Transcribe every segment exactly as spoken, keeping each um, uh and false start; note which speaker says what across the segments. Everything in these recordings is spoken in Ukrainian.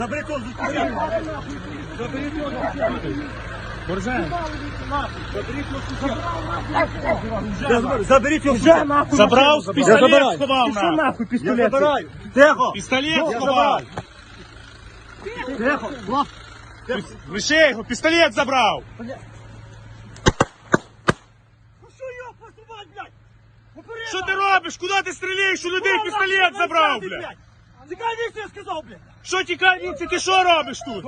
Speaker 1: Заберіть його з Заберіть його з Заберіть його вже нахуй.
Speaker 2: Забрав, пістолет сховав.
Speaker 1: Пішов нахуй пістолет. Я забираю. Тихо.
Speaker 2: Пістолет сховав.
Speaker 1: Тихо.
Speaker 2: Лише його, пістолет забрав.
Speaker 1: Ну що його посувати, блядь? Попереду.
Speaker 2: Що ти робиш? Куди ти стріляєш? У людей пістолет забрав, блядь.
Speaker 1: Тікай віці, я сказав, блядь.
Speaker 2: Що тікай віці, ти що робиш тут?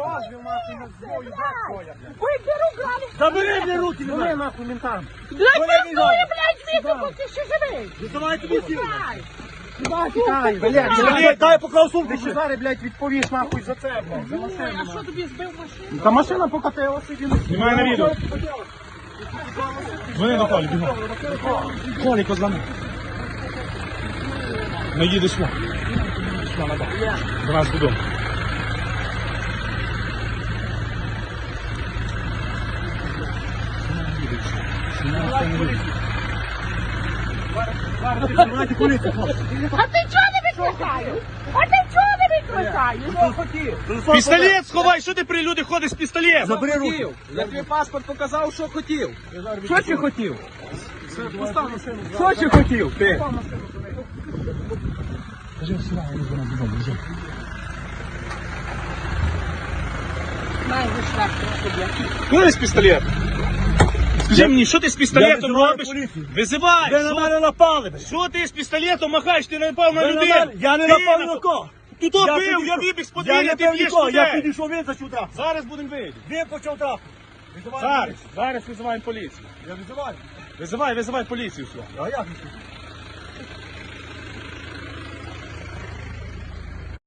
Speaker 1: Забери, блядь, руки, не нахуй ментам.
Speaker 3: Блядь, працює, блядь, звідти, поки ти ще живий.
Speaker 1: Давай тобі сіли.
Speaker 3: Тікай,
Speaker 1: Блядь, дай поклав сумку ще.
Speaker 3: Зараз, блядь, відповіш нахуй за це, блядь. За машину. А що тобі збив машину?
Speaker 1: Та машина покатилася.
Speaker 2: Знімай на відео. Дзвони до Колі, бігом. Колі, позвони. Не їдеш сюди. До нас додому.
Speaker 1: Знімайте поліцію, хлопці.
Speaker 3: А ти чого не викликаєш? А ти чого не викликаєш?
Speaker 2: Пістолет сховай, що ти при люди ходиш з пістолетом?
Speaker 1: Забери руки.
Speaker 4: Я тобі паспорт показав, що хотів.
Speaker 1: Що ти хотів? Що ти хотів? Ти?
Speaker 3: Май, вийшла тобі.
Speaker 2: Куди з пістолет? Скажи мені, що ти з пістолетом
Speaker 1: визиваю
Speaker 2: робиш?
Speaker 1: поліцію.
Speaker 2: Визивай!
Speaker 1: Ви на
Speaker 2: Що-
Speaker 1: мене напали, блядь.
Speaker 2: Що ти з пістолетом махаєш? Ти не напав на
Speaker 1: Ви на
Speaker 2: людей!
Speaker 1: мене- Я не
Speaker 2: Ти
Speaker 1: напав ні
Speaker 2: напав.
Speaker 1: на кого.
Speaker 2: Ти то
Speaker 1: Я
Speaker 2: бив, я
Speaker 1: підійшов.
Speaker 2: вибіг з
Speaker 1: Я
Speaker 2: подвір'я,
Speaker 1: не
Speaker 2: ти
Speaker 1: бив
Speaker 2: б'єш
Speaker 1: нікого, я
Speaker 2: людей!
Speaker 1: підійшов, він зачув трап.
Speaker 2: Зараз будемо вийти.
Speaker 1: Він почав трап. Визивай
Speaker 2: Зараз,
Speaker 1: поліцію.
Speaker 2: зараз визиваємо поліцію.
Speaker 1: Я визиваю.
Speaker 2: Визивай, визивай поліцію сюди.
Speaker 1: А як?